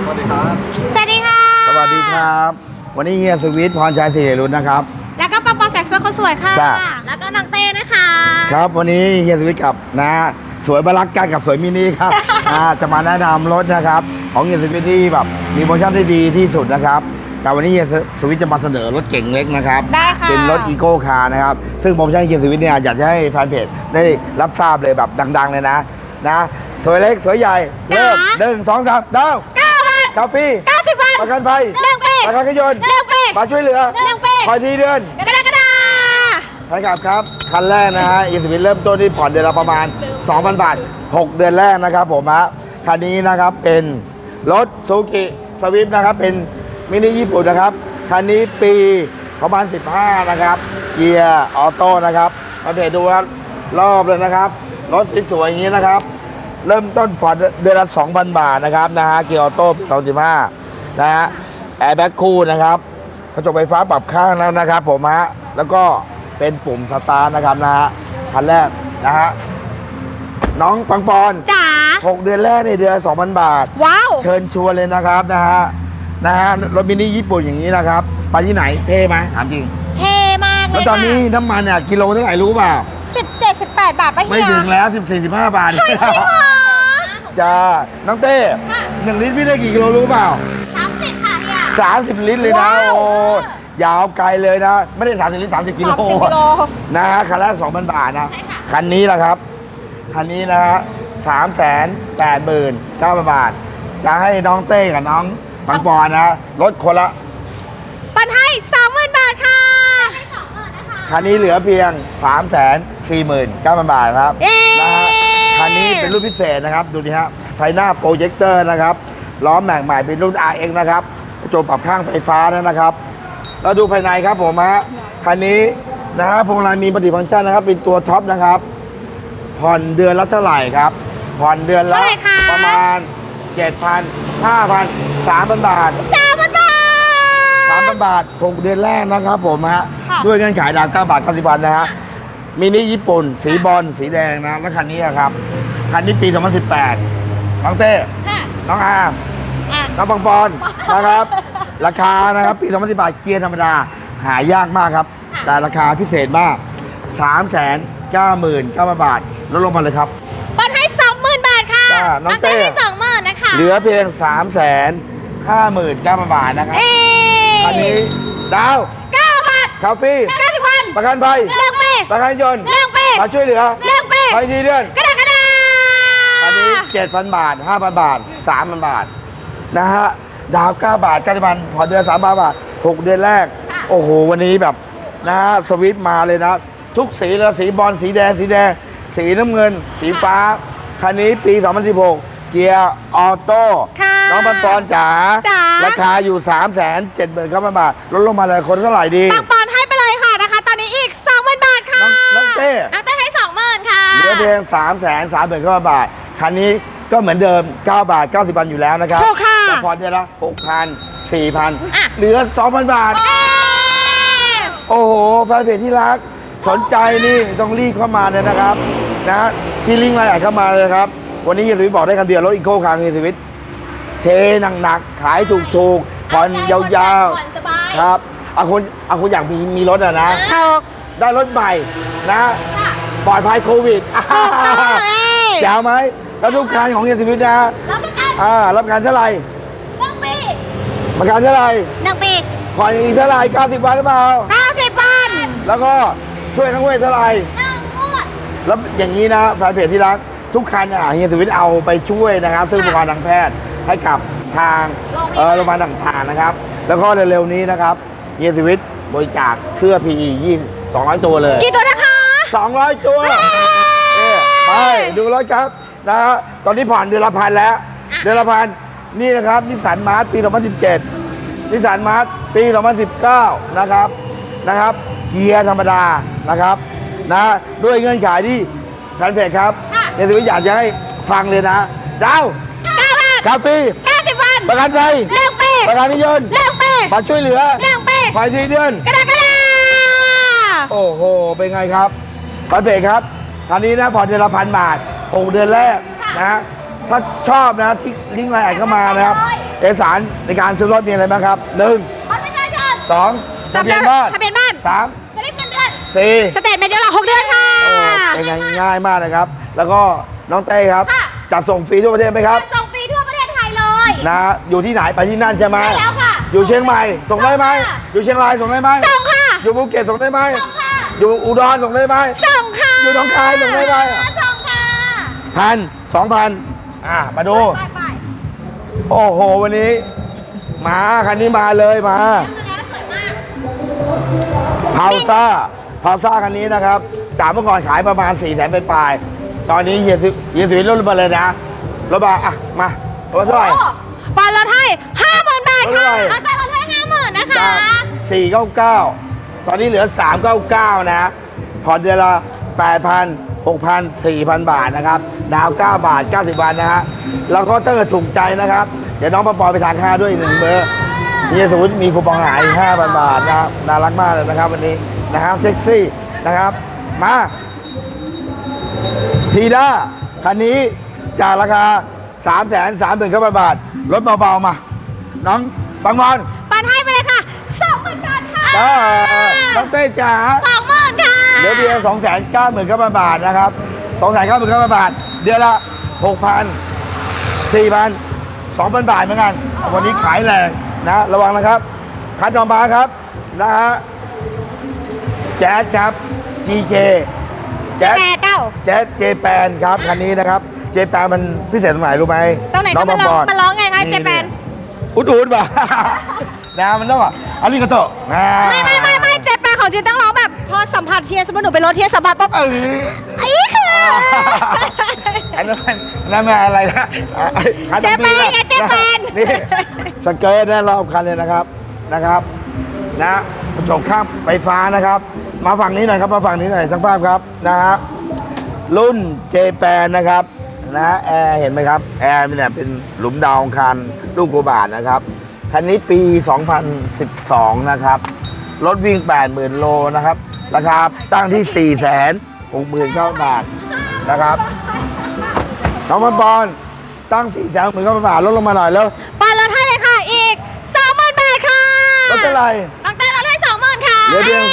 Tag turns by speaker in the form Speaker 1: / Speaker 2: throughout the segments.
Speaker 1: สวัสดีครับ
Speaker 2: สวัสดีค่ะ
Speaker 3: สวัสดีครับ วันนี้เฮียสวิทพรชัยศรีรุ่นนะครับ
Speaker 2: แล้วก็ปอปอแสกเสื้อคนสวยค่ะ
Speaker 3: จ้ะ
Speaker 2: แล้วก็น้องเต้นะคะ
Speaker 3: ครับวันนี้เฮียสวิทกับนะสวยบารักกันกับสวยมินิครับ จะมาแนะนำรถนะครับของเฮียสวิทที่แบบมีโปรโมชั่นที่ดีที่สุดนะครับแต่วันนี้เฮียสวิทจะมาเสนอรถเก่งเล็กนะครับ
Speaker 2: ได้ค่ะ
Speaker 3: เป็นรถอีโก้คาร์นะครับซึ่งโปรโมชั่นเฮียสวิทเนี่ยอยากจะให้แฟนเพจได้รับทราบเลยแบบดังๆเลยนะสวยเล็กสวยใหญ่เริ่ม1 2 3ดาว
Speaker 2: 9 บาท
Speaker 3: คาเฟ่
Speaker 2: 90 บาท
Speaker 3: ประกันภัย
Speaker 2: เรื่องเป๊ะ
Speaker 3: ประกันขยนต์
Speaker 2: เรื่องเป๊ะ
Speaker 3: มาช่วยเหลือ
Speaker 2: เรื่องเป๊ะ
Speaker 3: คอยทีเดือน
Speaker 2: กระดาษ
Speaker 3: ใช่ครับคันแรกนะฮะอีสวิตเริ่มต้นที่ผ่อนเดือนละประมาณ 2,000 บาท 6 เดือนแรกนะครับผมฮะคันนี้นะครับเป็นรถซูกิสวิฟนะครับเป็นมินิญี่ปุ่นนะครับคันนี้ปีประมาณ 15 นะครับเกียร์ออโต้นะครับมาเพจดูครับรอบเลยนะครับรถสวยๆอย่างนี้นะครับเริ่มต้นผ่อนเดือนละ 2,000 บาทนะครับนะฮะเกียร์ออโต้ปี2015นะฮะแอร์แบ็คคู่นะครับกระจกไฟฟ้าปรับข้างแล้วนะครับผมฮะแล้วก็เป็นปุ่มสตาร์ทนะครับนะฮะคันแรกนะฮะน้องปังปอน
Speaker 2: จ๋า
Speaker 3: 6 เดือนแรกในเดือน 2,000 บาท
Speaker 2: ว้าว
Speaker 3: เชิญชวนเลยนะครับนะฮะรถมินิญี่ปุ่นอย่างนี้นะครับไปที่ไหนเท่ไหมถามจริง
Speaker 2: เท่มากเล
Speaker 3: แล้ว
Speaker 2: ย
Speaker 3: ตอนนี้น้ำมันเนี่ยกิโลเท่าไหร่รู้เปล่า
Speaker 2: 17-18 บาทป่ะเฮีย
Speaker 3: ไม่ถึงแล้ว14-15 บาท
Speaker 2: เฮ้ยจริงเหรอ
Speaker 3: จ้าน้องเต้1 ลิตรพี่ได้กี่กิโลรู้เปล่า
Speaker 2: 30 ค่ะเฮีย
Speaker 3: 30 ลิตรเลยนะ
Speaker 2: ว้าว
Speaker 3: โอ้ยาวไกลเลยนะ ไม่ได้30 ลิตร 30 กิโล
Speaker 2: 30 กิโล
Speaker 3: นะฮะคันแรก 2,000 บาทนะ
Speaker 2: ใช่ค่ะ
Speaker 3: คันนี้แหละครับ คันนี้นะฮะ389,000 บาท จะให้น้องเต้กับน้องปังปอนนะลดคนละ
Speaker 2: ปันให้ 20,000 บาทค่ะ
Speaker 3: คันนี้เหลือเพียง 349,000 บาทครับ
Speaker 2: เย้
Speaker 3: นะฮะคันนี้เป็นรุ่นพิเศษนะครับ ดูดิฮะไฟหน้าโปรเจคเตอร์นะครับล้อแม็กใหม่เป็นรุ่น RX นะครับกระจกปรับข้างไฟฟ้านะครับแล้วดูภายในครับผมฮะคันนี้นะฮะพวงมาลัยมีมัลติฟังก์ชันนะครับเป็นตัวท็อปนะครับผ่อนเดือนละเท่าไหร่ครับผ่อนเดือนละ
Speaker 2: เท่าไหร่คะ
Speaker 3: ประมาณ 7,000 5,000 3,000 บาท
Speaker 2: 3,000 บาท
Speaker 3: 3,000 บาท 6 เดือนแรกนะครับผมฮะ
Speaker 2: ค่ะ
Speaker 3: ด้วยเงื่อนไขดาว9 บาท 90 วันนะฮะมินิญี่ปุ่น สีบอลสีแดงนะแล้วคันนี้อะครับคันนี้ปี 2018น้องเต้
Speaker 2: ค่ะ
Speaker 3: น้องอาร์ม
Speaker 2: อ่ะ
Speaker 3: น้องปังปอนนะครับราคานะครับปี 2018เกียร์ธรรมดาหายากมากครับ แต่ราคาพิเศษมาก 399,000 บาทลดลงมาเลยครับ
Speaker 2: ปันให้ 20,000 บาทค่ะ
Speaker 3: จ้าน้องเต้
Speaker 2: ให้ 20,000 นะคะ
Speaker 3: เหลือเพียง 359,000 บาทนะครับ
Speaker 2: เอ๊
Speaker 3: คันนี้ดาว
Speaker 2: 9 บาท
Speaker 3: คาเฟ่
Speaker 2: 90 วัน
Speaker 3: ประกันภัย
Speaker 2: เรื่องเป๊ะ
Speaker 3: ประกันยนต์
Speaker 2: เรื่องเป๊ะ
Speaker 3: มาช่วยเหลือ
Speaker 2: เรื่องเป๊ะ
Speaker 3: ไปทีเดือน
Speaker 2: กระดาษ
Speaker 3: อันนี้ 7,000 บาท 5,000 บาท 3,000 บาท นะฮะ ดาว 9 บาท90 วันผ่อนเดือน3,000 บาท 6 เดือนแรก โอ้โห วันนี้แบบ นะฮะ สวิตช์มาเลยนะ ทุกสีเลยสีบอลสีแดง สีน้ำเงิน สีฟ้า คันนี้ปี 2016 เกียร์ออโต้
Speaker 2: ค่ะ
Speaker 3: น้องปันปอนจ๋า
Speaker 2: จ๋า
Speaker 3: ราคาอยู่ 379,000 บาท ลดลงมาเลยคนเท่าไหร่ดี
Speaker 2: ปังปอนให้ไปเลยค่ะนะคะ ตอนนี้อีก 20,000 บาทค่ะ
Speaker 3: น้องเต้
Speaker 2: น้องเต้ให้ 20,000 ค่ะ
Speaker 3: เหลือเพียง339,000 บาท คันนี้ก็เหมือนเดิม 9 บาท 90 วันอยู่แล้วนะครับ
Speaker 2: ถูกค่ะ
Speaker 3: แต่ผ่อนเดือนละ 6,000 4,000
Speaker 2: อ่ะ
Speaker 3: เหลือ 2,000 บาท
Speaker 2: เอ๊ะ
Speaker 3: โอ้โห แฟนเพจที่รัก สนใจนี่ต้องรีบเข้ามาเลยนะครับนะที่ลิงก์รายละเอียดเข้ามาเลยครับ วันนี้เฮียสวิทบอกได้คำเดียวรถอีโก้คาร์เฮียสวิทเทหนักๆขายถูกๆผ่อนยาว
Speaker 2: ผ่อนสบาย
Speaker 3: ๆครับเอาคนอยากมีรถอะนะ
Speaker 2: ถูก
Speaker 3: ได้รถใหม่นะ
Speaker 2: ค่ะ
Speaker 3: ปลอดภัยโควิด
Speaker 2: ถูกต้องเอ้ย
Speaker 3: แจ๋วไหมแล้วทุกการของเฮียสวิทนะ
Speaker 2: รับประกัน
Speaker 3: รับประกันเท่าไหร่
Speaker 2: 1 ปี
Speaker 3: ประกันเท่าไหร่
Speaker 2: 1 ปี
Speaker 3: ผ่อนอีกเท่าไหร่90 วันหรือเปล่า
Speaker 2: 90 วัน
Speaker 3: แล้วก็ช่วยทั้งเวทเท่าไหร่
Speaker 2: 1 งวด
Speaker 3: แล้วอย่างนี้นะแฟนเพจที่รักทุกคันเฮียสวิทเอาไปช่วยนะครับซึ่งอุปกรณ์ทางแพทย์ให้กับทางโรงพยาบาลต่างๆนะครับ แล้วก็เร็วๆนี้นะครับเฮียสวิทบริจาคเสื้อ PE 200 ตัวเลย
Speaker 2: กี่ตัวนะคะ
Speaker 3: 200 ตัวไปดูรถครับนะฮะตอนนี้ผ่านเดือนละพันแล้ว เดือนละพันนี่นะครับนิสสันมาร์ทปี 2017นิสสันมาร์ทปี 2019 นะครับเกียร์ธรรมดานะครับนะด้วยเงื่อนไขที่แฟนเพจครับในสวิตอยากจะให้ฟังเลยนะดาว
Speaker 2: 9 บาท
Speaker 3: คาเฟ่
Speaker 2: 90 วัน
Speaker 3: ประกันภัย
Speaker 2: เรื่องปี
Speaker 3: ประกันนิยนต์
Speaker 2: เรื่องปี
Speaker 3: มาช่วยเหลือ
Speaker 2: เรื่องปี
Speaker 3: ภายในเดือน
Speaker 2: กระดาษ
Speaker 3: โอ้โห เป็นไงครับแฟนเพจครับคันนี้นะผ่อนเดือนละ1,000 บาท 6 เดือนแรกนะถ้าชอบนะที่ลิงก์ไลน์แอดเข้ามานะครับเอกสารในการซื้อรถมีอะไรบ้างครับ1
Speaker 2: บัตรประชาชน
Speaker 3: 2ทะเบียนบ้าน
Speaker 2: ทะเบียนบ้าน
Speaker 3: 3
Speaker 2: สลิปเงินเดือน
Speaker 3: 4
Speaker 2: สเตทเมนต์ย้อนหลัง6 เดือนค่ะ
Speaker 3: โอ้เป็นไงง่ายมากนะครับ แล้วก็น้องเต้ครับ
Speaker 2: ค่ะ
Speaker 3: จัดส่งฟรีทั่วประเทศไหมครับ
Speaker 2: ส่งฟรีทั่วประเทศไทยเลย
Speaker 3: นะอยู่ที่ไหนไปที่นั่นใช่ไหม
Speaker 2: ใช่แล้วค่ะ
Speaker 3: อยู่เชียงใหม่ส่งได้ไหม
Speaker 2: ส่งค่ะ
Speaker 3: อยู่เชียงรายส่งได้ไหม
Speaker 2: ส่งค่ะ
Speaker 3: อยู่ภูเก็ตส่งได้ไหม
Speaker 2: ส่งค่ะ
Speaker 3: อยู่อุดรส่งได้ไหม
Speaker 2: ส่งค่ะ
Speaker 3: อยู่หนองคายส่งได้ไหม
Speaker 2: ส่งค่ะ
Speaker 3: 1,000 2,000มาดู
Speaker 2: ไป
Speaker 3: โอ้โหวันนี้มาคันนี้มาเลยมา
Speaker 2: มาแล้วสวยมาก
Speaker 3: พาวซ่าคันนี้นะครับจากเมื่อก่อนขายประมาณ4 แสนปลายๆตอนนี้เฮียสุวิทย์ลดมาเลยนะลดมาอ่ะมาลดเท่าไหร่
Speaker 2: ปอนลดให้ 50,000 บาทค่ะ
Speaker 3: ลดเท่าไหร่
Speaker 2: ลดไปลดให้ 50,000 นะคะ
Speaker 3: จาก499 ตอนนี้เหลือ 399 นะผ่อนเดือนละ 8,000 6,000 4,000 บาทนะครับดาว9 บาท 90 บาทนะฮะแล้วก็ถ้าเกิดถูกใจนะครับเดี๋ยวน้องปอไปทานข้าวด้วยอีก1 เบอร์เฮียสุวิทย์มีคูปองหาย 5,000 บาทนะครับน่ารักมากเลยนะครับวันนี้นะครับเซ็กซี่นะครับมาทีด้าคันนี้จากราคา 330,000 บาทลดเบาๆมา น้องบางบอล
Speaker 2: ปันให้ไปเลยค่ะ 20,000 บาทค่ะ
Speaker 3: น้องเต้จ๋า
Speaker 2: 20,000 ค่ะ
Speaker 3: เหลือเพียง 290,000 บาทนะครับ 290,000 บาท เดือนละ 6,000 4,000 2,000 บาทเหมือนกัน วันนี้ขายแรงนะระวังนะครับ คัดออกมาครับนะฮะแจ๊สครับ GK แจ๊ส
Speaker 2: 8เก้า
Speaker 3: แจ๊สเจแปนครับคันนี้นะครับเจแปนมันพิเศษตรงไหนรู้ไหม
Speaker 2: ตรงไหนคะ
Speaker 3: อง
Speaker 2: มันร้อง
Speaker 3: บล
Speaker 2: มันร้องไงคะเจแปน
Speaker 3: อุดป่ะ นะมันต้องอ่ะอาริกาโตะนะ
Speaker 2: ไม่เจแปนของจีนต้องร้องแบบ พอสัมผัสเทียร์สมมติหนูไปรถเทียร์สัมผัสปุ๊บ
Speaker 3: เออ
Speaker 2: อีคือ
Speaker 3: อันนั้นมันอะไรนะ
Speaker 2: เจแปนไงเจแปน
Speaker 3: นี่สเกิร์ตนะรอบคันเลยนะครับนะกระจกข้ามไฟฟ้านะครับ มาฝั่งนี้หน่อยครับมาฝั่งนี้หน่อยสักภาพครับนะฮะรุ่นเจแปนนะครับนะแอร์เห็นไหมครับแอร์เนี่ยเป็นหลุมดาวอังคารลูกโกบาทนะครับคันนี้ปี 2012 นะครับรถวิ่ง 80,000 โลนะครับราคาตั้งที่ 469,000 บาทนะครับน้องบอลตั้ง 469,000 บาทลดลงมาหน่อยแล้ว
Speaker 2: ปอนลดให้เลยค่ะอีก 20,000 บาทค่ะ
Speaker 3: ลดเท่าไหร่
Speaker 2: น้องเต้ลดให้ 20,000 ค่ะ
Speaker 3: เหลือเพียง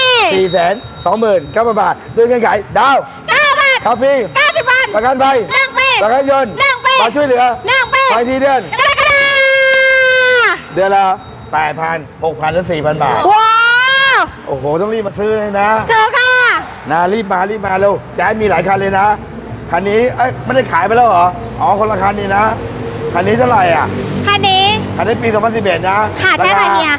Speaker 3: 429,000 บาทด้วยเงื่อนไขดาว
Speaker 2: 9 บาท
Speaker 3: คาเฟ่
Speaker 2: 90 บาท
Speaker 3: ประกันภัย
Speaker 2: 1 ปี
Speaker 3: ประกันยนต์
Speaker 2: 1 ปี
Speaker 3: มาช่วยเหลือ
Speaker 2: 1 ปี
Speaker 3: ไปทีเดือน
Speaker 2: กรกฎา
Speaker 3: เดือนละ 8,000 6,000 และ 4,000 บาท
Speaker 2: ว้าว
Speaker 3: โอ้โห ต้องรีบมาซื้อเลยนะ
Speaker 2: เธอค่ะ
Speaker 3: นะรีบมาเร็วแจ๊สมีหลายคันเลยนะ คันนี้ไม่ได้ขายไปแล้วเหรอ อ๋อ คนละคันนี่นะ คันนี้เท่าไหร่อ่ะ
Speaker 2: คันนี้
Speaker 3: คันนี้ปี 2011 นะ
Speaker 2: ค่ะใช่ค่ะเฮีย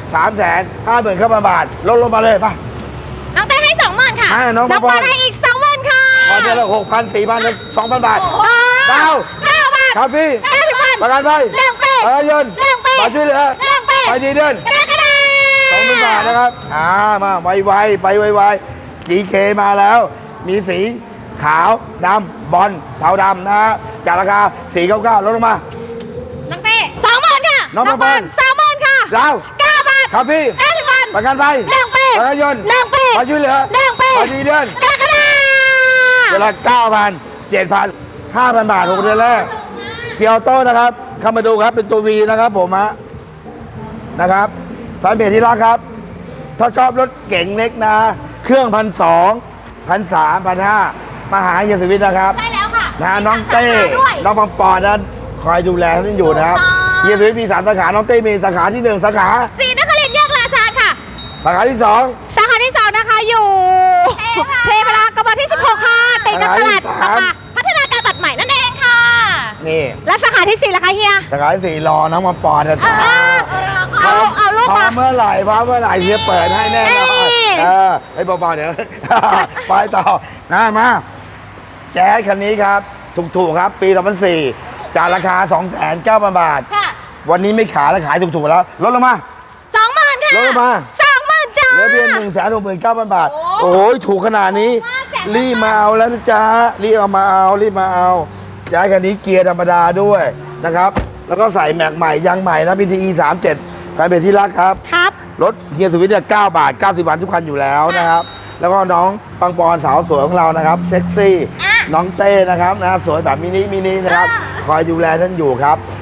Speaker 3: 350,000 บาท ลดลงมาเลยป่ะ
Speaker 2: น้องเต้ให้ 20,000 ค่ะ
Speaker 3: น้องปอน
Speaker 2: ปอนให้อีก 20,000 ค่ะ
Speaker 3: พอเดือนละ 6,000 4,000 และ 2,000 บาท ดาว
Speaker 2: 9 บาท
Speaker 3: คาเฟ่
Speaker 2: 90 บาท
Speaker 3: ประกันภัย
Speaker 2: 1 ปี
Speaker 3: ประกันยนต์
Speaker 2: 1 ปี
Speaker 3: มาช่วยเหลือ
Speaker 2: 1 ปี
Speaker 3: ไปทีเดือน
Speaker 2: กรกฎา
Speaker 3: 2,000 บาทนะครับ มาไวๆไปไวๆ GK มาแล้ว มีสีขาวดำบอลเทาดำนะฮะจากราคา 499 ลดลงมา
Speaker 2: น้องเต้20,000 ค่ะ
Speaker 3: น้องปอน
Speaker 2: 20,000 ค่ะ
Speaker 3: ดาว
Speaker 2: 9 บาท
Speaker 3: คาเฟ่
Speaker 2: 90 บาท
Speaker 3: ประกันภัย
Speaker 2: 1 ปี
Speaker 3: ประกันยนต์
Speaker 2: 1 ปี
Speaker 3: มาช่วยเหลือ
Speaker 2: 1 ปี
Speaker 3: ไปทีเดือน
Speaker 2: กรกฎา
Speaker 3: เดือนละ 9,000 7,000 5,000 บาท6 เดือนแรกเกียวโต้นะครับเข้ามาดูครับเป็นตัว V นะครับผมนะครับสายเบรที่รักครับ ถ้าชอบรถเก๋งเล็กนะ เครื่อง1,200 1,300 1,500 มาหาเฮียสุวิทย์นะครับ
Speaker 2: ใช่แล้วค่ะ
Speaker 3: นะน้องเต้
Speaker 2: มีสาขาด้วย
Speaker 3: น้องปังปอนนะคอยดูแลท่านอยู่นะครับ
Speaker 2: ถูกต้อง
Speaker 3: เฮียสุวิทย์มี3 สาขา น้องเต้มีสาขาที่ 1 สาขา
Speaker 2: สีนครินทร์แยกลาซานค่ะ
Speaker 3: สาขาที่ 2
Speaker 2: สาขาที่ 2 นะคะอยู่เทพรากมที่ 16 ค่ะติดกับตลาด
Speaker 3: สาขาที่
Speaker 2: ปะปาพัฒนาการตัดใหม่นั่นเองค่ะ
Speaker 3: นี่
Speaker 2: และสาขาที่ 4ล่ะคะเฮีย
Speaker 3: สาขาที่ 4 รอน้องปังปอนนะ
Speaker 2: เอาลูก
Speaker 3: พร้อ
Speaker 2: มา
Speaker 3: มเมื่อไหร่เฮียเปิดให้แน่นอน
Speaker 2: เอ้ย
Speaker 3: ให้เบาๆเดี๋ยว ไปต่อมาแจ๊สคันนี้ครับ ถูกๆครับ ปี 2004 จากราคา 290,000 บาท
Speaker 2: ค่ะ
Speaker 3: วันนี้ไม่ขายแล้วขายถูกๆแล้ว ลดลงมา
Speaker 2: 20,000 ค่ะ
Speaker 3: ลดลงมา
Speaker 2: 20,000จ้า
Speaker 3: เหลือเพียง169,000 บาท
Speaker 2: โอ้
Speaker 3: โอ้ยถูกขนาดนี้
Speaker 2: มากแสน
Speaker 3: รีบมาเอาแล้วนะจ๊ะ รีบมาเอาย้ายคันนี้เกียร์ธรรมดาด้วยนะครับ แล้วก็ใส่แม็กใหม่ยางใหม่นะ PTE 37แฟนเพจที่รักครับ
Speaker 2: ครับ
Speaker 3: รถเฮียสุวิทย์เนี่ย9 บาท 90 บาททุกคันอยู่แล้วนะครับ แล้วก็น้องปังปอนสาวสวยของเรานะครับ เซ็กซี่
Speaker 2: อ่ะ
Speaker 3: น้องเต้นะครับนะสวยแบบมินินะครับ
Speaker 2: อ่ะ
Speaker 3: คอยดูแลท่านอยู่ครับ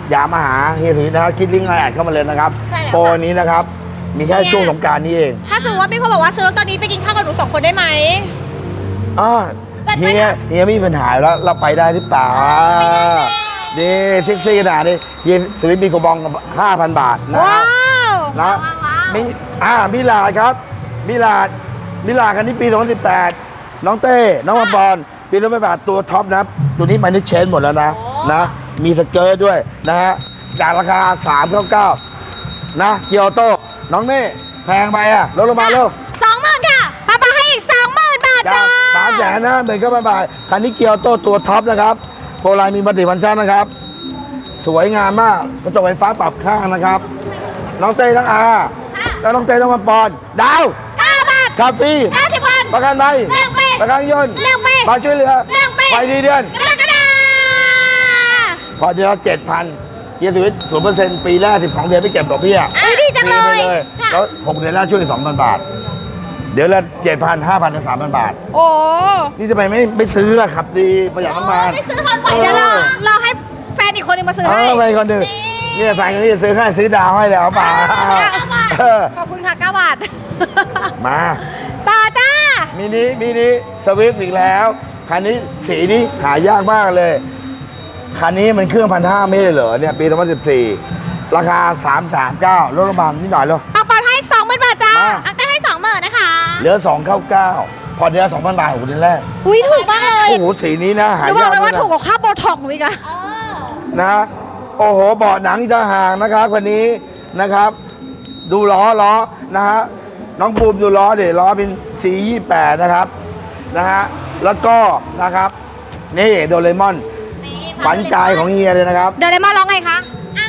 Speaker 3: อย่ามาหาเฮียสุวิทย์นะครับคิดลิงก์ไลน์แอดเข้ามาเลยนะครับ
Speaker 2: ใช่แล้ว
Speaker 3: โปรนี้นะครับมีแค่ช่วงสงกรานต์นี้เอง
Speaker 2: ถ้าสมมติว่ามีคนบอกว่าซื้อรถตอนนี้ไปกินข้าวกับหนู2 คนได้ไหม
Speaker 3: อ้อ
Speaker 2: จัดไป
Speaker 3: เฮียไม่มีปัญหาแล้วเราไปได้หรือเปล่าดีเซ็กซี่ขนาดนี้เฮียสุวิทย์มีคูปอง 5,000 บาทนะ
Speaker 2: ว้าว
Speaker 3: นะมีมิลาดครับมิลาดคันนี้ปี 2018 น้องเต้น้องบอลปี2018ตัวท็อปนะตัวนี้มันได้เชนหมดแล้วนะนะมีสเกิร์ตด้วยนะฮะจากราคา 399นะเกียวโต้น้องเน่แพงไปอ่ะลดลงมาเร็ว
Speaker 2: 20,000ค่ะป้าให้อีก 20,000 บาท
Speaker 3: จา
Speaker 2: จ้าก
Speaker 3: 350,000 บาทคันนี้เกียวโต้ตัวท็อปนะครับโพลายมีมัลติฟังก์ชันนะครับ สวยงามมากกระจกไฟฟ้าปรับข้างนะครับ น้องเต้น้องอาแล้วน้องเต้น้องบอลดาว
Speaker 2: 9 บาท
Speaker 3: คาเฟ่
Speaker 2: 50,000
Speaker 3: ประกันภัย
Speaker 2: เรื่องปี
Speaker 3: ประกันยนต์
Speaker 2: เรื่องปี
Speaker 3: มาช่วยเหลือ
Speaker 2: เรื่องปี
Speaker 3: ไฟดีเดือน
Speaker 2: กระดาษ
Speaker 3: พอเดือนละ7,000เยียร์ชีวิต 0% ปีแรก12 เดือนไม่เก็บดอกเบี้ย
Speaker 2: ดีจังเลย
Speaker 3: ฟรีไปแล้ว6 เดือนแรกช่วย 2,000 บาท เดือนละ 7,000 5,000ถึง 3,000 บาท
Speaker 2: โอ้
Speaker 3: นี่จะไปไม่ซื้อล่ะครับดีประหยัดน้ำมัน
Speaker 2: ไม่ซื้อคอนไว้เดี๋ยวรอให้แฟนอีกคนหนึงมาซื้อ
Speaker 3: เอ
Speaker 2: ให้
Speaker 3: อไปคนหนึ่งเนี่ยแฟนคนนี้จะซื้อให้ซื้อดาวให้แล้วเปล่าเออ
Speaker 2: ขอบคุณค่ะ 9 บาท
Speaker 3: มา
Speaker 2: ต่อจ้า
Speaker 3: มินิสวิฟต์อีกแล้ว คันนี้สีนี้หายากมากเลย คันนี้มันเครื่อง1,500ไม่ใช่เหรอเนี่ยปี 2014 ราคา 339ลดลงมานิดหน่อยเลย
Speaker 2: ปังปอนให้ 20,000 บาทจ้า
Speaker 3: มา
Speaker 2: อังเต้ให้ 20,000นะคะ
Speaker 3: เหลือ 299 พอเดือนละ 2,000 บาท6 เดือนแรก
Speaker 2: อุ้ยถูกมากเลย
Speaker 3: โอ้โห สีนี้นะ
Speaker 2: ห
Speaker 3: หา
Speaker 2: นูบอย
Speaker 3: าก ก
Speaker 2: เลยว่า
Speaker 3: นะ
Speaker 2: ถูกกว่าค่าโบท็อกซ์หนูอีกอะ
Speaker 3: นะ โอ้โหเบาะหนังจะห่างนะครับคันนี้นะครับ ดูล้อนะฮะ น้องบูมดูล้อเดี๋ยวล้อเป็น428นะครับ นะฮะ แล้วก็นะครับ นี่โดเรมอน ฝันใจของเฮียเลยนะครับ
Speaker 2: เดี๋ยวเลยมาร้องไงคะ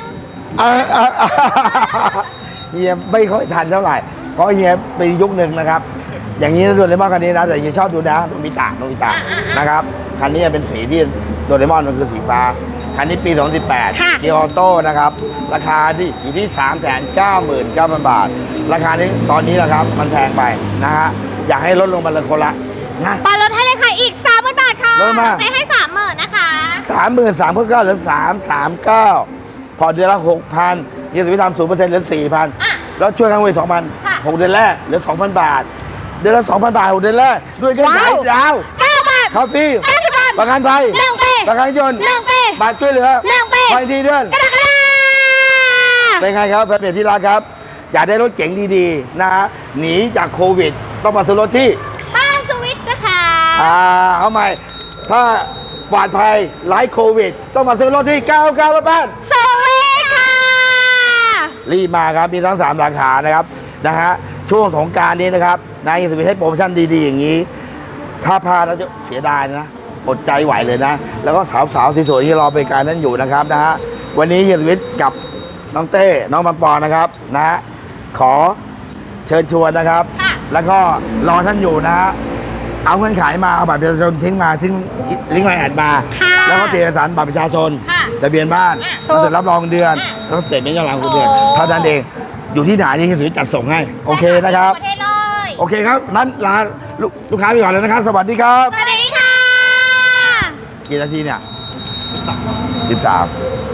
Speaker 3: เฮียไม่ค่อยทันเท่าไหร่ เพราะเฮียเป็นยุคหนึ่งนะครับ อย่างนี้นะโดเรมอนคันนี้นะแต่เฮียชอบดูนะโนบิตะนะครับคันนี้เป็นสีที่โดเรมอนมันคือสีฟ้าคันนี้ปี 2018 เกียร์ออโต้นะครับราคาที่อยู่ที่ 399,000 บาท ราคานี้ตอนนี้นะครับมันแพงไปนะฮะอยากให้ลดลงมาเลยคนละนะ
Speaker 2: ปอนลดให้เลยค่ะอีก 30,000 บาทค่ะ
Speaker 3: ลดมา
Speaker 2: ไปให้ 30,000 นะคะ
Speaker 3: 33,000เพิ่มเหลือ339พอเดือนละ 6,000ยี่สิบทำ0%เหลือ 4,000 แล้วช่วยกันไว้ 2,000 6 เดือนแรกเหลือ 2,000 บาท เดือนละ 2,000 บาท 6 เดือนแรกด้วยกันยาว
Speaker 2: 9 บาท
Speaker 3: คาเฟ่
Speaker 2: 50 บาท
Speaker 3: ประกันภัย
Speaker 2: เรื่องปี
Speaker 3: ประกันยนต์
Speaker 2: เรื่องปี
Speaker 3: บัตรช่วยเหลือ
Speaker 2: เรื่องปี
Speaker 3: ไฟทีเดือน
Speaker 2: กระดาษ
Speaker 3: เป็นไงครับแฟนเพจที่รักครับ อยากได้รถเก๋งดีๆนะฮะหนีจากโควิด ต้องมาซื้อรถที่
Speaker 2: บ้านสวิตนะคะ
Speaker 3: เอาใหม่ ถ้าปลอดภัยไร้โควิด ต้องมาซื้อรถที่99รถบ้าน
Speaker 2: สวิตค่ะ
Speaker 3: รีบมาครับ มีทั้ง 3 ราคานะครับนะฮะช่วงสงกรารนี้นะครับนายสวิทให้โปรโมชั่นดีๆ อย่างนี้ ถ้าพลาดแล้วจะเสียดายนะอดใจไหวเลยนะ แล้วก็สาวๆสวยๆที่รอบริการนั้นอยู่นะครับนะฮะวันนี้เฮียสวิทกับน้องเต้น้องบางปอนะครับนะฮะขอเชิญชวนนะครับ แล้วก็รอท่านอยู่นะฮะเอาเงินขายมาเอาบัตรประชาชนทิ้งมาทิ้งลิงก์ไลน์แอดมา แล้วก็เตรียมเอกสารบัตรประชาชนทะเบียนบ้านแล้วเสร็จรับรองเงินเดือนแล้วก็สเตทเมนต์ย้อนหลังคุณเดือนเท่านั้นเองอยู่ที่ไหนนี่เฮียสวิทจัดส่งให้โอเคนะครับ
Speaker 2: ประเทศเลย
Speaker 3: โอเคครับนั้นลาลูกค้าไปก่อนเลยนะครับ สวัสดีครับ
Speaker 2: สวัสดีค่ะ
Speaker 3: กี่นาทีเนี่ย13